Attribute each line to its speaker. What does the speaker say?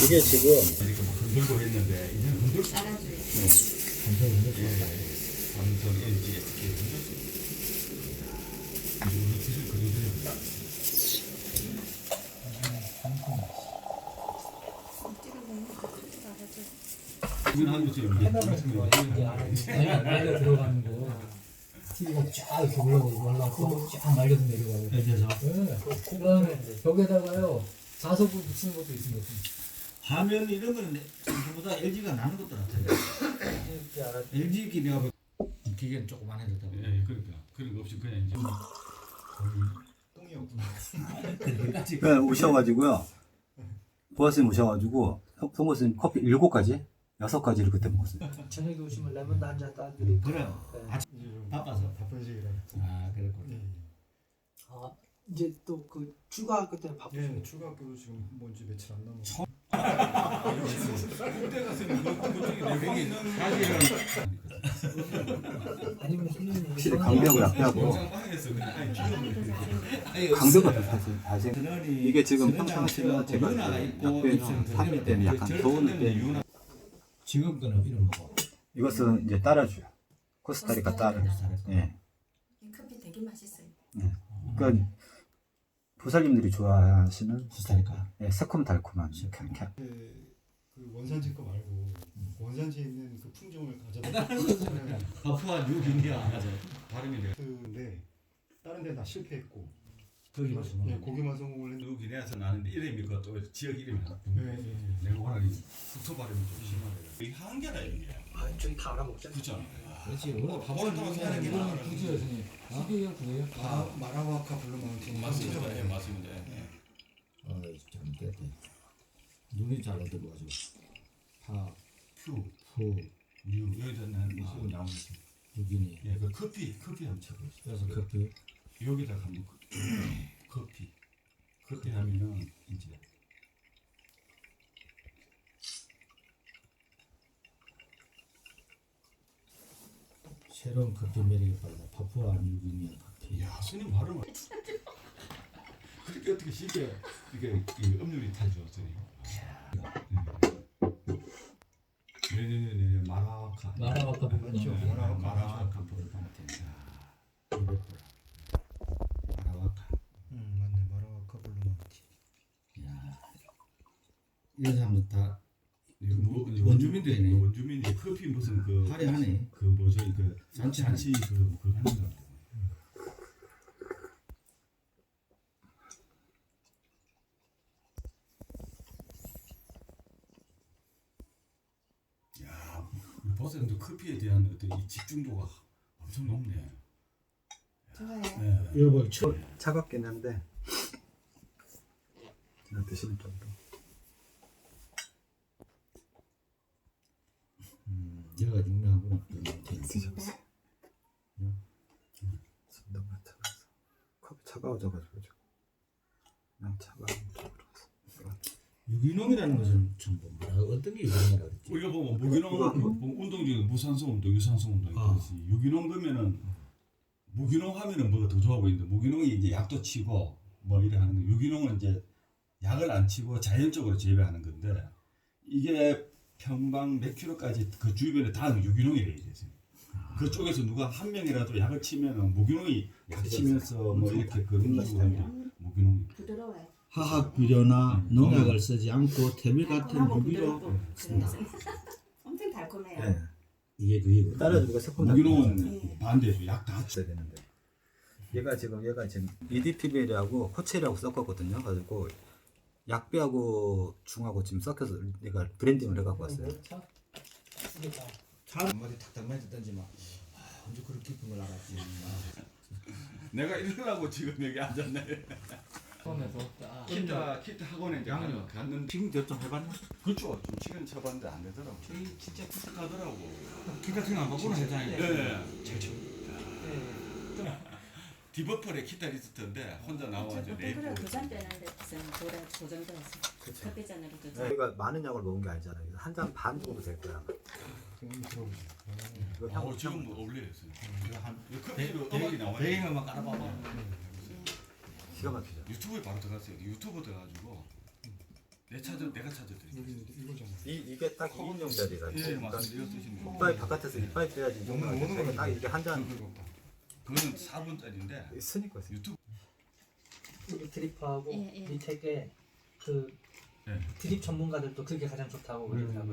Speaker 1: 이게 지금
Speaker 2: 이렇게 뭐 흔들고 했는데 이제는 흔들 수
Speaker 3: 알아줘요.
Speaker 2: 삼성, LG 이렇게 흔들 수 있습니다. 우리 기술 그대로입니다. 이건 한 거죠.
Speaker 4: 말려 들어가는 거 TV가 쫙 이렇게 올라가고 쫙 말려서 내려가고
Speaker 2: 그래서
Speaker 4: 그다음에 벽에다가요 자석을 붙이는 것도 있습니다.
Speaker 2: 화면 이런 거는 전부다 LG가 나는 것들 같아요. LG 기내가
Speaker 4: 기계는 조그만 해도 되고
Speaker 2: 예, 그러니까 그런 거 없이 그냥 이제 똥이 없구나.
Speaker 1: 그냥 오셔가지고요. 보아스님 오셔가지고 송보스님 커피 7가지? 6가지를 그때 먹었어요.
Speaker 4: 저녁에 오시면 레몬도 한잔 따드리고
Speaker 2: 그래요. 바빠서
Speaker 5: 바쁜 시기라.
Speaker 2: 아 그랬구나.
Speaker 4: 아 이제 또 그 추가 학교 때문에 바쁘시고
Speaker 5: 예, 추가 학교도 지금 뭔지 며칠 안 남았어.
Speaker 2: 군대 갔으면 그쪽에 내공이 사실은
Speaker 4: 아니면 선생님
Speaker 1: 확실히 강대하고 약대하고
Speaker 2: 영상방에서 그냥
Speaker 1: 강대가 발생. 이게 지금 평상시는 제가 약대는 사귀기 때문에 약간 더운데
Speaker 4: 지금 거는 이런 거
Speaker 1: 이것은 이제 따라줘요. 코스타리카 따라. 예.
Speaker 3: 이 커피 되게 맛있어요.
Speaker 1: 그러니까 보살님들이 좋아하시는
Speaker 2: 코스타리카.
Speaker 1: 예, 새콤달콤한
Speaker 5: 그 원산지 거 말고 원산지에 있는 그 품종을 가져다.
Speaker 2: 파푸아 뉴기니아 맞아. 발음이 돼요.
Speaker 5: 근데 다른 데 다 실패했고.
Speaker 2: 거기만 성공.
Speaker 5: 예, 거기만 성공을 했는데.
Speaker 2: 뉴기니아에서 나는데 이름이 그것도 지역 이름이 나쁘고.
Speaker 5: 예, 예.
Speaker 2: 내가 워낙 북토 발음이 좀 심하더라고. 이게 한계다 이게.
Speaker 4: 아 저기 다 알아먹자
Speaker 2: 그렇죠.
Speaker 4: 그렇지
Speaker 2: 밥을 타고 사는 게
Speaker 4: 이거는 굳이 선생님 이게요 그거요?
Speaker 5: 마라와카 블루마운틴.
Speaker 2: 맞습니다. 예, 맞습니다. 예.
Speaker 4: 참 됐대 눈이 잘 얻어가지고
Speaker 2: 퓨, 뉴 여기서는 무슨 나오는
Speaker 4: 여기니
Speaker 2: 예, 그 커피 한번 쳐보세요.
Speaker 4: 그래서 커피
Speaker 2: 여기다 한번 커피 하면은 이제
Speaker 4: 새로운 커피 매력에 빠져 파푸아 뉴기니아 커피
Speaker 2: 야, 스님 발음을 그렇게 어떻게 쉽게 이게 음률이 타죠, 스님. 네네네 마라카.
Speaker 4: 마라와카
Speaker 5: 맞죠?
Speaker 2: 마라카 블루마운틴.
Speaker 4: 마라와카
Speaker 5: 맞네. 마라와카 블루마운틴.
Speaker 4: 야 이런 사람들 다
Speaker 2: 원주민들이네. 원주민이 커피 무슨 그
Speaker 4: 화려하네.
Speaker 2: 그 뭐죠 그 잔치 그 하는 거. 야, 버스도 커피에 대한 어떤 이 집중도가 엄청 높네.
Speaker 3: 좋아요.
Speaker 2: 네.
Speaker 4: 이거 뭐
Speaker 1: 차갑긴 한데 그냥 드시는 정도.
Speaker 4: 얘가 유명하구나
Speaker 1: 드셔보세요. 손도 맡아봐서 컵이 차가워져가지고 지금 그냥 차가운 쪽으로
Speaker 4: 유기농이라는 것은 참 뭐라 어떤 게 유기농이라고 그랬지?
Speaker 2: 우리가 보면 무기농 운동 중에 무산소 운동, 유산소 운동 있듯이 유기농 그러면은 무기농 하면은 뭐가 더 좋아 보이는데 무기농이 이제 약도 치고 뭐 이래 하는 거 유기농은 이제 약을 안 치고 자연적으로 재배하는 건데 이게 평방 몇 킬로까지 그 주변에 다 유기농이래요. 그쪽에서 누가 한 명이라도 약을 치면은 무기농이 약 치면서 뭐 이렇게 그런 식으로 무기농.
Speaker 3: 부드러워요.
Speaker 4: 화학 비료나 농약을 쓰지 않고 태비 같은
Speaker 3: 달콤하고
Speaker 4: 유기로
Speaker 3: 부드럽고 그래서 엄청 달콤해요.
Speaker 1: 네.
Speaker 4: 이게 그이고
Speaker 1: 따라주니까 새콤달콤
Speaker 2: 무기농은 반대죠. 약 다
Speaker 1: 있어야 되는데 얘가 지금 EDPBL하고 코체리하고 섞었거든요. 가지고 약비하고 중하고 지금 섞여서 얘가 브랜딩을 해갖고 왔어요.
Speaker 4: 한마디 탁탁 맞았던지 막 언제 그렇게 깊은 걸 알았지.
Speaker 2: 내가 이러려고 지금 여기 앉았네.
Speaker 4: 처음에서
Speaker 2: 키트 학원에 이제 갔는데
Speaker 4: 지금 좀 해봤나?
Speaker 2: 그렇죠. 좀 치긴 쳐봤는데 안 되더라고.
Speaker 4: 저희 진짜
Speaker 2: 가더라고.
Speaker 4: 키 같은 거안 바꾸는 세상에.
Speaker 2: 네. 디버펄에 기타 리스트인데 혼자 나와가지고
Speaker 3: 그래 도전 빼는데 무슨 도전도에서 커피잔으로 도전.
Speaker 1: 저희가 많은 약을 먹은 게 아니잖아요. 한 잔 반 정도 될 거야. 이거 향
Speaker 2: 지금 뭐 어울려요. 커피로 음악이 나와요.
Speaker 4: 배경음악 깔아봐봐.
Speaker 1: 기가 막히죠.
Speaker 2: 유튜브에 바로 들어갔어요. 유튜브 들어가지고 내가 찾아드릴게요.
Speaker 5: 여기 이거잖아.
Speaker 1: 이게 딱 2인용짜리라.
Speaker 2: 예, 맞습니다. 이거 쓰시면 돼요.
Speaker 1: 이빨 바깥에서 이빨 빼야지.
Speaker 5: 오는
Speaker 1: 딱 이게 한 잔
Speaker 2: 그거는 4분짜리인데
Speaker 1: 쓰니까.
Speaker 2: 유튜브
Speaker 4: 여기 드리퍼하고
Speaker 3: 예, 예.
Speaker 4: 밑에 게 그
Speaker 2: 예.
Speaker 4: 드립 전문가들도 그게 가장 좋다고 그러더라고요.